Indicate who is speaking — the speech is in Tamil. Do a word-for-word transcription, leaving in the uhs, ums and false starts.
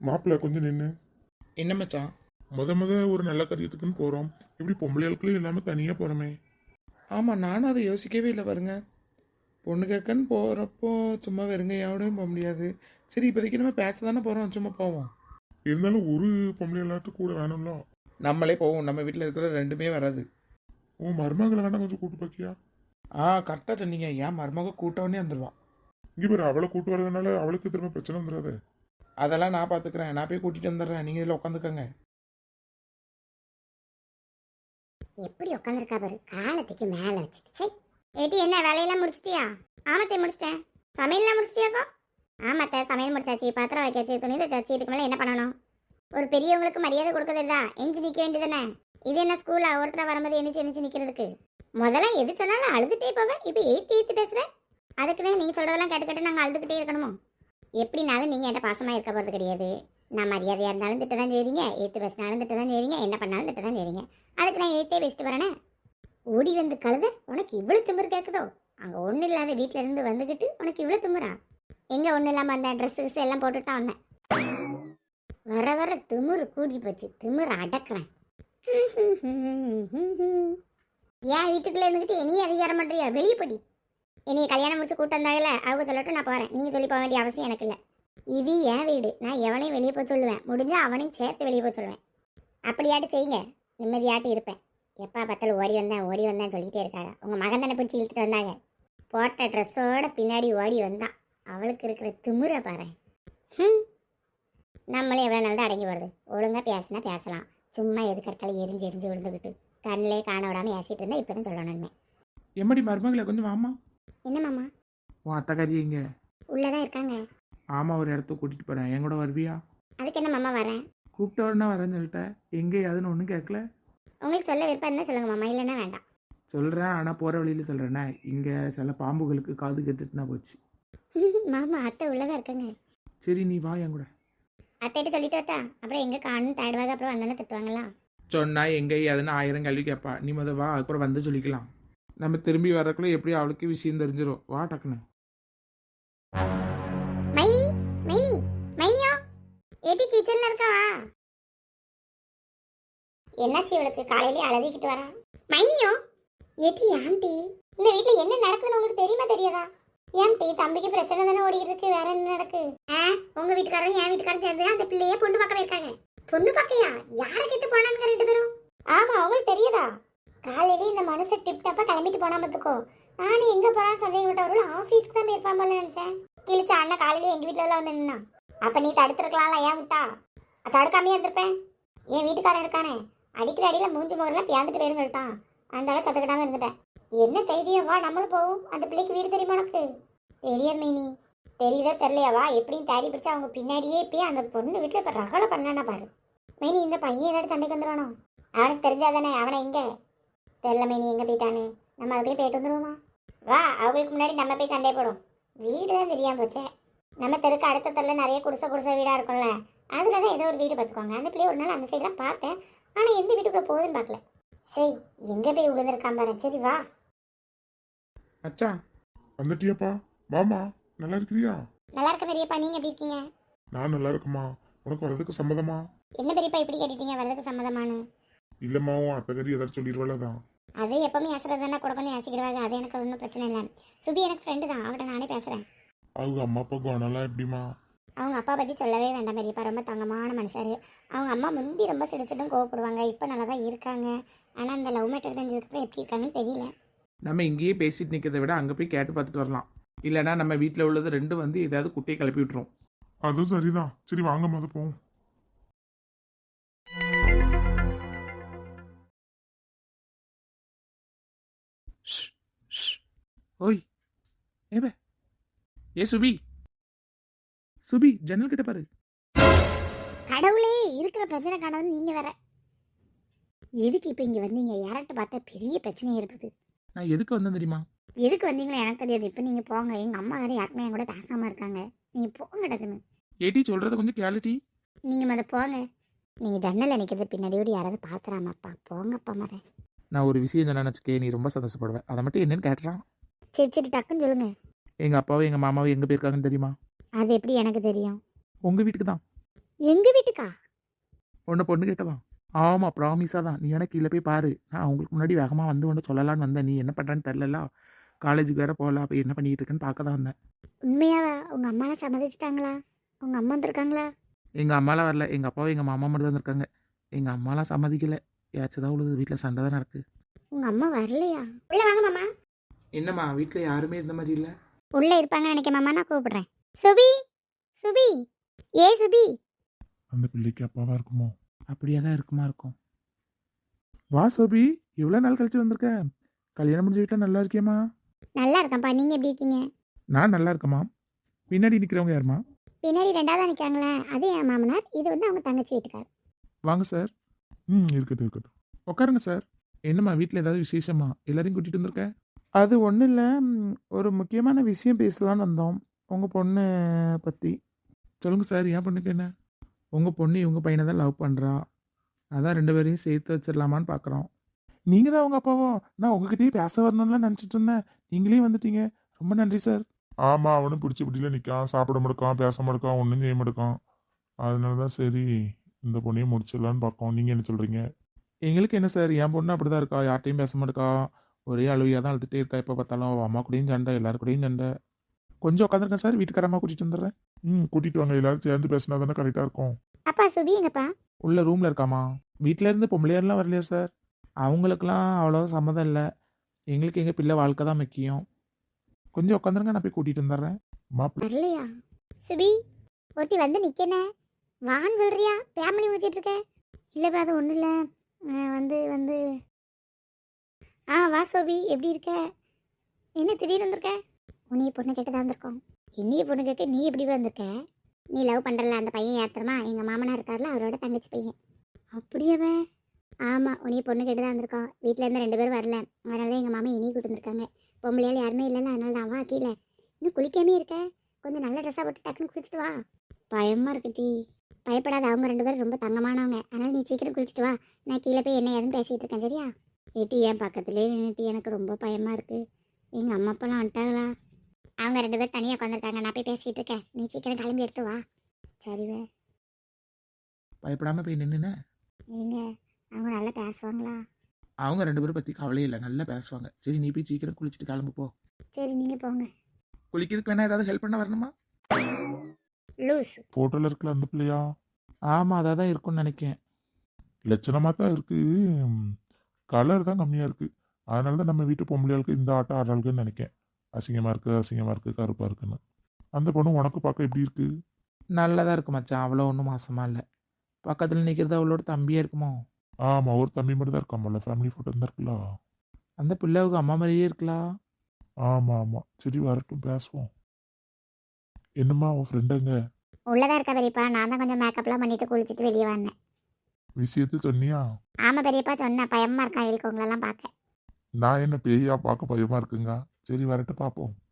Speaker 1: மாப்பிள்ள கொஞ்சம் நின்று.
Speaker 2: என்ன மச்சான்?
Speaker 1: முத முத ஒரு நல்ல காரியத்துக்குன்னு போறோம், இப்படி பொம்பளைகளுக்குள்ள இல்லாம தனியா போறோமே.
Speaker 2: ஆமாம், நானும் அதை யோசிக்கவே இல்லை பாருங்க. பொண்ணு கேட்கன்னு போகிறப்போ சும்மா வெறுங்கையோடையும் போக முடியாது. சரி, இப்போதைக்கு நம்ம பேச தானே போகிறோம், சும்மா போவோம்.
Speaker 1: இருந்தாலும் ஒரு பொம்பளைகளாட்டும் கூட வேணும்ல.
Speaker 2: நம்மளே போவோம், நம்ம வீட்டில் இருக்கிற ரெண்டுமே வராது.
Speaker 1: உன் மருமகளை வேணா கொஞ்சம் கூட்டு பாக்கியா?
Speaker 2: ஆ, கரெக்டாக சொன்னீங்க. ஏன் மருமக கூட்டவுடனே வந்துடுவான்.
Speaker 1: இங்கே பேர் அவளை கூட்டு வரதுனால அவளுக்கு திரும்ப பிரச்சனை வந்துடாது.
Speaker 2: அதெல்லாம் நான் பார்த்துக்கிறேன், நான் போய் கூட்டிகிட்டு வந்துடுறேன். நீங்கள் இதில் உட்காந்துக்கங்க.
Speaker 3: எப்படி உட்காந்துருக்கா பாரு, காலத்துக்கு மேல வச்சுட்டு. சரி ஏட்டி, என்ன வேலையெல்லாம் முடிச்சிட்டியா? ஆமாத்தே முடிச்சிட்டேன். சமையல்லாம் முடிச்சிட்டியாக்கா? ஆமாத்த, சமையல் முடிச்சாச்சு, பாத்திரம் வைக்காச்சு, துணி தச்சாச்சு. இதுக்கு மேலே என்ன பண்ணணும்? ஒரு பெரியவங்களுக்கு மரியாதை கொடுக்கறதா எஞ்சி நிற்க வேண்டியதானே? இது என்ன ஸ்கூலா ஒருத்தர வரும்போது எந்திரிச்சு எந்திரிச்சு நிற்கிறதுக்கு? முதல்ல எது சொன்னாலும் அழுதுகிட்டே போவேன், இப்போ ஏற்றி ஏற்றி பேசுகிறேன். அதுக்குன்னு நீங்கள் சொல்கிறதெல்லாம் கேட்டு கேட்டு நாங்கள் அழுதுகிட்டே இருக்கணுமோ? எப்படினாலும் நீங்கள் என்கிட்ட பாசமாக இருக்க போகிறது கிடையாது. நான் மரியாதையாக இருந்தாலும் திட்ட தான் செய்றீங்க, ஏற்று பேசினாலும் திட்ட தான் செய்றீங்க, என்ன பண்ணாலும் திட்ட தான் செய்றீங்க. அதுக்கு நான் ஏற்றே பேசிட்டு வரேனே. ஓடி வந்து கழுத, உனக்கு இவ்வளோ திமிரு கேட்குதோ? அங்கே ஒன்றும் இல்லாத வீட்டில் இருந்து வந்துக்கிட்டு உனக்கு இவ்வளோ திமிரா? எங்கே ஒன்றும் இல்லாமல் அந்த ட்ரெஸ் கிஸ் எல்லாம் போட்டுட்டு தான் வந்தேன். வர வர திமிரு கூடி போச்சு, திமிரு அடக்கிறேன். ஏன் வீட்டுக்குள்ளே இருந்துக்கிட்டு இனியும் அதிகாரம் பண்ணுறியா? வெளியே படி. என்னைய கல்யாணம் முடிச்சு கூட்டம் வந்தாங்கல்ல, அவங்க சொல்லட்டும், நான் போகிறேன். நீங்கள் சொல்லி போக வேண்டிய அவசியம் எனக்கு இல்லை. இது என் வீடு, நான் எவனையும் வெளியே போக சொல்லுவேன். முடிஞ்சால் அவனையும் சேர்த்து வெளியே போக சொல்லுவேன். அப்படியாட்டு செய்யுங்க, நிம்மதியாட்டு இருப்பேன். எப்பா பார்த்தாலும் ஓடி வந்தேன் ஓடி வந்தேன் சொல்லிகிட்டே இருக்காங்க. உங்கள் மகன் தானே பிடிச்சி இழுத்துட்டு வந்தாங்க. போட்ட ட்ரெஸ்ஸோட பின்னாடி ஓடி வந்தான். அவளுக்கு இருக்கிற திமிரை பாரு. ம், நம்மளே எவ்வளோ நாள் தான் அடங்கி வருது. ஒழுங்காக பேசினா பேசலாம், சும்மா எதுக்கு இடத்தாலும் எரிஞ்சு எரிஞ்சு விழுந்துக்கிட்டு கண்ணிலே காண விடாமல் ஏசிட்டு இருந்தால் இப்போ தான் சொல்லணுமே.
Speaker 2: எம்மடி மருமகளை கொஞ்சம் வாமா.
Speaker 3: என்ன மாமா?
Speaker 2: உன் அத்தைக்காரி எங்க?
Speaker 3: உள்ளதான் இருக்காங்க.
Speaker 2: ஆமாம், ஒரு இடத்துக்கு கூட்டிகிட்டு போகிறேன், என் கூட வருவியா?
Speaker 3: அதுக்கு என்ன மாமா வரேன்?
Speaker 2: கூப்பிட்ட உடனே வரேன்னு சொல்லிட்டேன். எங்கே அதுன்னு ஒன்றும் கேட்கல.
Speaker 3: உங்களுக்கு சொல்ல விருப்பம் இருந்தால் சொல்லுங்க மாமா, இல்லைன்னா வேண்டாம்.
Speaker 2: சொல்கிறேன், ஆனால் போகிற வழியில் சொல்கிறேண்ணே. இங்கே சில பாம்புகளுக்கு காது கெட்டுட்டுனா போச்சு.
Speaker 3: மாமா அத்தை உள்ளதான் இருக்காங்க.
Speaker 2: சரி, நீ வா என் கூட.
Speaker 3: அத்தைகிட்ட சொல்லிட்டு வரட்டா? அப்புறம் எங்கே காணும் தேடுவாங்க, அப்புறம் வந்தோன்னே திட்டுவாங்களா?
Speaker 2: சொன்னால் எங்கே அதுன்னு ஆயிரம் கேள்வி கேட்பா. நீ முத வா, அதுக்கப்புறம் வந்து சொல்லிக்கலாம். நம்ம திரும்பி வரக்குள்ள எப்படியும் அவளுக்கு விஷயம் தெரிஞ்சிடும். வா டக்குன்னு.
Speaker 3: மைனி, மைனி, மைனியா, ஏடி கிச்சன்ல இருக்கவா? என்னாச்சு இவளுக்கு? காலையிலே அழுதிக்கிட்டு வரா. மைனியோ, ஏடி ஆண்டி, இந்த வீட்டில் என்ன நடக்குதுன்னு உங்களுக்கு தெரியுமா தெரியாதா? ஏன்டி, தம்பிக்கு பிரச்சனை தானே ஓடிக்கிட்டு இருக்கு, வேற என்ன நடக்கு? ஆ, உங்க வீட்டுக்காரரும் என் வீட்டுக்காரரும் சேர்ந்து அந்த பிள்ளையே பொண்ணு பார்க்க போயிருக்காங்க. பொண்ணு பார்க்கையா? யாரை கேட்டு போனானுங்க ரெண்டு பேரும்? ஆமா, உங்களுக்கு தெரியுதா? காலையிலே இந்த மனுஷன் டிப் டாப்பா கிளம்பிட்டு போனா பார்த்துக்கோ. நானும் எங்க போறான்னு சந்தேகப்பட்டவர்கள் ஆஃபீஸ்க்கு தான் போயிருப்பான் போல நினைச்சேன். கிழிச்ச அண்ணன் காலையிலே எங்க வீட்டுல எல்லாம் வந்து நின்னா. அப்ப நீ தடுத்துருக்கலாம்ல, ஏன் விட்டா? தடுக்காமையே இருந்திருப்பேன். என் வீட்டுக்காரன் இருக்கானே, அடிக்கிற அடியில மூஞ்சி முகரெல்லாம் பியாந்துட்டு போயிருந்து சொல்லிட்டான். அந்த அளவு சத்துக்கிட்டாம இருந்துட்டேன். என்ன தைரியம்? வா நம்மளும் போவோம். அந்த பிள்ளைக்கு வீடு தெரியுமா உனக்கு? தெரியாது மைனி. தெரியுதோ தெரியலையாவா? எப்படியும் தேடி பிடிச்சா அவங்க பின்னாடியே போய் அந்த பொண்ணு வீட்டில் இப்போ ரகலை பண்ணலான்னா பாரு. மைனி, இந்த பையன் ஏதாச்சும் சண்டைக்கு வந்துடுவானோ? அவனுக்கு தெரிஞ்சாதானே. அவனை எங்கே தெரியல மைனி, எங்கே போயிட்டானு. நம்ம அதுக்குள்ளே போயிட்டு வந்துடுவோமா? வா, அவங்களுக்கு முன்னாடி நம்ம போய் சண்டை போடும். வீடு தான் தெரியாமல் போச்சே. நம்ம தெருக்கு அடுத்த தெருல நிறைய குடிசை குடிசை வீடாக இருக்கும்ல, அதில் தான் ஏதோ ஒரு வீடு பார்த்துக்கோங்க. அந்த பிள்ளைய ஒரு நாள் அந்த சைடு தான் பார்த்தேன், ஆனால் எந்த வீட்டுக்குள்ளே போகுதுன்னு பார்க்கல. சரி, எங்கே போய் விழுந்திருக்கான் பாரு. சரி வா.
Speaker 2: அச்சா,
Speaker 1: வந்துட்டியாப்பா? வாமா, நல்லா இருக்கிறியா?
Speaker 3: நல்லா இருக்க பெரியப்பா, நீங்கள் எப்படி இருக்கீங்க?
Speaker 1: நான் நல்லா இருக்குமா. உனக்கு வரதுக்கு சம்மதமா?
Speaker 3: என்ன பெரியப்பா இப்படி கேட்டுட்டீங்க? வரதுக்கு சம்மதமானு?
Speaker 1: இல்லம்மா, உன் அத்தைக்கறி ஏதாச்சும் சொல்லிடுவாளதான்.
Speaker 3: அது எப்பவுமே ஏசுறதுன்னா கூட கொஞ்சம் ஏசிக்கிடுவாங்க. அது எனக்கு ஒன்றும் பிரச்சனை இல்லை. சுபி எனக்கு ஃப்ரெண்டு தான், அவட்ட நானே பேசுகிறேன்.
Speaker 1: அவங்க அம்மா அப்பா குணம்லாம் எப்படிமா?
Speaker 3: அவங்க அப்பா பற்றி சொல்லவே வேண்டாம் பெரியப்பா, ரொம்ப தங்கமான மனுஷாரு. அவங்க அம்மா முந்தி ரொம்ப சிரிச்சிட்டும் கோவப்படுவாங்க, இப்போ நல்லா தான் இருக்காங்க. ஆனால் அந்த லவ் மேட்டர் தெரிஞ்சதுக்கப்புறம் எப்படி இருக்காங்கன்னு தெரியல.
Speaker 2: நம்ம இங்கேயே பேசிட்டு நிற்கிறத விட அங்கே போய் கேட்டு பார்த்துட்டு வரலாம். இல்லைனா நம்ம வீட்டில் உள்ளது ரெண்டு வந்து ஏதாவது குட்டையை கிளப்பி விட்டுரும்.
Speaker 1: அதுவும் சரிதான். சரி வாங்க, மொதல் போவோம்.
Speaker 2: ஓய், ஏ ஏ சுபி, சுபி ஜன்னல் கிட்ட பாரு.
Speaker 3: கடவுளே, இருக்கிற பிரச்சனை காணாது நீங்க வேற. எதுக்கு இப்போ இங்கே வந்தீங்க? யார்கிட்ட பார்த்தா பெரிய பிரச்சனையாக இருக்குது.
Speaker 2: நான் எதுக்கு வந்தேன் தெரியுமா?
Speaker 3: எதுக்கு வந்தீங்களா எனக்கு தெரியாது. இப்போ நீங்கள் போங்க. எங்கள் அம்மா வேறு யாருக்குமே என் கூட பேசாமல் இருக்காங்க. நீங்கள் போங்க டக்குன்னு.
Speaker 2: ஏடி சொல்கிறத கொஞ்சம் கேளுடி.
Speaker 3: நீங்கள் மத போங்க. நீங்கள் ஜன்னலில் நிற்கிறது பின்னாடியோடு யாராவது பார்த்துறாமாப்பா. போங்கப்பா மத.
Speaker 2: நான் ஒரு விஷயம் என்ன நினச்சிக்கே, நீ ரொம்ப சந்தோஷப்படுவேன். அதை மட்டும் என்னன்னு கேட்டுறான்.
Speaker 3: சரி சரி டக்குன்னு சொல்லுங்க.
Speaker 2: எங்கள் அப்பாவும் எங்கள் மாமாவும் எங்கே போயிருக்காங்கன்னு தெரியுமா?
Speaker 3: அது எப்படி எனக்கு தெரியும்?
Speaker 2: உங்கள் வீட்டுக்கு தான்.
Speaker 3: எங்க வீட்டுக்கா?
Speaker 2: உன்னை பொண்ணு கேட்கலாம். ஆமாம், ப்ராமிஸாக தான். நீ வேணா கீழே போய் பாரு. நான் அவங்களுக்கு முன்னாடி வேகமாக வந்து ஒன்று சொல்லலான்னு வந்தேன். நீ என்ன பண்ணுறான்னு தெரிலல. காலேஜுக்கு வேற போகல. அப்போ என்ன பண்ணிக்கிட்டு இருக்கேன்னு பார்க்க தான் வந்தேன்.
Speaker 3: உண்மையாவா? உங்க அம்மாலாம் சம்மதிச்சிட்டாங்களா? உங்க அம்மா வந்திருக்காங்களா?
Speaker 2: எங்கள் அம்மாலாம் வரல. எங்கள் அப்பாவும் எங்கள் மாமா மட்டும் வந்திருக்காங்க. எங்கள் அம்மாலாம் சம்மதிக்கலை. ஏதாச்சும் தான் உழுது. வீட்டில் சண்டை தான் நடக்கு.
Speaker 3: உங்க அம்மா வரலையா? உள்ள வாங்க மாமா.
Speaker 2: என்னம்மா வீட்டில் யாருமே இந்த மாதிரி இல்லை?
Speaker 3: உள்ள இருப்பாங்க நினைக்க மாமா, நான் கூப்பிடுறேன். சுபி, சுபி, ஏ சுபி.
Speaker 1: அந்த பிள்ளைக்கு அப்பாவா இருக்குமோ?
Speaker 2: அப்படியே தான் இருக்குமா இருக்கும். வா சோபி, எவ்வளோ நாள் கழிச்சு வந்திருக்க? கல்யாணம் முடிஞ்ச வீட்டில் நல்லா இருக்கியம்மா?
Speaker 3: நல்லா இருக்கேன்ப்பா, நீங்க எப்படி இருக்கீங்க?
Speaker 2: நான் நல்லா இருக்கேம்மா. பின்னாடி நிற்கிறவங்க யாரும்மா?
Speaker 3: பின்னாடி ரெண்டாவதா நிக்காங்களே, அது என் மாமனார். இது வந்து அவங்க தங்கச்சி வீட்டுக்கார்.
Speaker 2: வாங்க சார்.
Speaker 1: ம் இருக்கட்டும் இருக்கட்டும்.
Speaker 2: உட்காருங்க சார். என்னம்மா வீட்டில் ஏதாவது விசேஷமா? எல்லாரையும் கூட்டிகிட்டு வந்திருக்க? அது ஒன்றும் இல்லை, ஒரு முக்கியமான விஷயம் பேசலான்னு வந்தோம். உங்கள் பொண்ணு பற்றி சொல்லுங்கள் சார். என் பொண்ணுக்கு என்ன? உங்கள் பொண்ணு இவங்க பையனை தான் லவ் பண்ணுறா. அதான் ரெண்டு பேரையும் சேர்த்து வச்சிடலாமான்னு பார்க்குறோம். நீங்கள் தான் உங்கள் அப்பாவோ? நான் உங்ககிட்டயே பேச வரணும்லாம் நினச்சிட்டு இருந்தேன். நீங்களே வந்துட்டீங்க. ரொம்ப நன்றி சார்.
Speaker 1: ஆமா, அவனும் பிடிச்சி பிடியில நிற்கான், சாப்பிட மாட்டான், பேச மாட்டான், ஒன்றும் செய்ய மாட்டான். அதனால தான் சரி இந்த பொண்ணையும் முடிச்சிடலான்னு பார்க்கோம். நீங்கள் என்ன சொல்கிறீங்க?
Speaker 2: எங்களுக்கு என்ன சார், என் பொண்ணு அப்படி தான் இருக்கா. யார்ட்டையும் பேச மாட்டேக்கா. ஒரே அழுவியாக தான் அழுதுகிட்டே இருக்கா. எப்போ பார்த்தாலும் அவள் அம்மா கூடயும் சண்டை, எல்லாரு கூடயும் சண்டை. கொஞ்சம் உட்காந்துருக்கேன் சார். வீட்டுக்காரம்மா கூட்டிகிட்டு வந்துடுறேன்.
Speaker 1: ம் கூட்டிகிட்டு வாங்க. எல்லாரும் சேர்ந்து பேசினா தானே கரெக்டாக இருக்கும்.
Speaker 3: அப்பா சுபி எங்கப்பா?
Speaker 2: உள்ள ரூமில் இருக்காமா. வீட்டில் இருந்து பொம்பளையாரெலாம் வரலையா சார்? அவங்களுக்கெல்லாம் அவ்வளோ சம்மதம் இல்லை. எங்களுக்கு எங்கள் பிள்ளை வாழ்க்கை தான் முக்கியம். கொஞ்சம் உட்காந்துருங்க, நான் போய் கூட்டிகிட்டு வந்துடுறேன்.
Speaker 1: மாப்பிள்ளை
Speaker 3: வரலையா? சுபி, ஒருத்தி வந்து நிக்கனே, வான்னு சொல்றியா? ஃபேமிலி முடிச்சிட்டு இருக்க? இல்லைப்பா, அது ஒன்றும் இல்லை. வந்து வந்து ஆ வா சோபி, எப்படி இருக்க? என்ன திடீர்னு வந்திருக்க? உன்னைய பொண்ணு கேட்டு தான் வந்திருக்கோம். என்னைய பொண்ணு கேட்க நீ எப்படி வந்திருக்க? நீ லவ் பண்ணுறல அந்த பையன் ஏற்றுறமா, எங்கள் மாமனார் இருக்கார்ல, அவரோட தங்கச்சி பையன். அப்படியாவே? ஆமாம், உன்னைய பொண்ணு கேட்டு தான் வந்திருக்கோம். வீட்டில் இருந்து ரெண்டு பேரும் வரல, அதனால தான் எங்கள் மாமா இனியும் கூட்டு வந்திருக்காங்க. பொம்பளையால் யாருமே இல்லைல்ல, அதனால தான் வா கீழே. இன்னும் குளிக்காமே இருக்க, கொஞ்சம் நல்ல ட்ரெஸ்ஸாக போட்டு டக்குன்னு குளிச்சுட்டு வா. பயமாக இருக்கு டீ. பயப்படாத, அவங்க ரெண்டு பேரும் ரொம்ப தங்கமானவங்க. அதனால நீ சீக்கிரம் குளிச்சுட்டு வா. நான் கீழே போய் என்ன ஏதுன்னு பேசிகிட்டு இருக்கேன், சரியா? ஏட்டி என் பக்கத்துலேயே நின்றுட்டி, எனக்கு ரொம்ப பயமாக இருக்குது. எங்கள் அம்மா அப்பாலாம் வந்துட்டாங்களா? அவங்க ரெண்டு பேரும் தனியாக உட்காந்துருக்காங்க. நான் போய் பேசிகிட்டு இருக்கேன், நீ சீக்கிரம் கிளம்பி எடுத்து வா. சரிவே.
Speaker 2: பயப்படாமல் போய் நின்றுனே.
Speaker 3: நீங்க அவங்க நல்லா பேசுவாங்களா?
Speaker 2: அவங்க ரெண்டு பேரும் பற்றி கவலையே இல்லை, நல்லா பேசுவாங்க. சரி, நீ போய் சீக்கிரம் குளிச்சுட்டு கிளம்பு போ.
Speaker 3: சரி, நீங்கள் போங்க.
Speaker 2: குளிக்கிறதுக்கு வேணா ஏதாவது ஹெல்ப் பண்ண வரணுமா?
Speaker 3: லூஸ்.
Speaker 1: ஃபோட்டோவில் இருக்கல அந்த பிள்ளையா?
Speaker 2: ஆமாம், அதாக தான் இருக்கும்னு நினைக்கிறேன்.
Speaker 1: லட்சணமாக தான் இருக்கு. கலர் தான் கம்மியாக இருக்கு. அதனால தான் நம்ம வீட்டு பொம்பளையாளுக்கு இந்த ஆட்டம் ஆடுறாளுக்குன்னு நினைக்கேன். அசிங்கமாக இருக்கு, அசிங்கமாக இருக்கு, கருப்பாக இருக்குன்னு. அந்த பொண்ணு உனக்கு பார்க்க எப்படி இருக்கு?
Speaker 2: நல்லதாக இருக்கு மச்சான். அவ்வளோ ஒன்றும் மாசமாக இல்லை. பக்கத்தில் நிற்கிறது அவளோட தம்பியாக இருக்குமோ?
Speaker 1: ஆமாம், ஒரு தம்பி மட்டும் தான் இருக்காமல்ல, ஃபேமிலி ஃபோட்டோ தான் இருக்குல்ல.
Speaker 2: அந்த பிள்ளைவுக்கு அம்மா மாதிரியே இருக்கலாம்.
Speaker 1: ஆமாம் ஆமாம், சரி வரட்டும், பேசுவோம். என்னம்மா உன் ஃப்ரெண்டுங்க
Speaker 3: உள்ளதா இருக்கா பெரியப்பா? நான் தான் கொஞ்சம் மேக்கப்லாம் பண்ணிட்டு குளிச்சுட்டு வெளியே வந்தேன்.
Speaker 1: விஷயத்த சொன்னியா?
Speaker 3: ஆமாம் பெரியப்பா, சொன்னேன். பயமாக இருக்கா இவளுக்கு உங்களெல்லாம் பார்க்க.
Speaker 1: நான் என்ன பேயா பார்க்க பயமா இருக்குங்க. சரி வரட்டு பார்ப்போம்.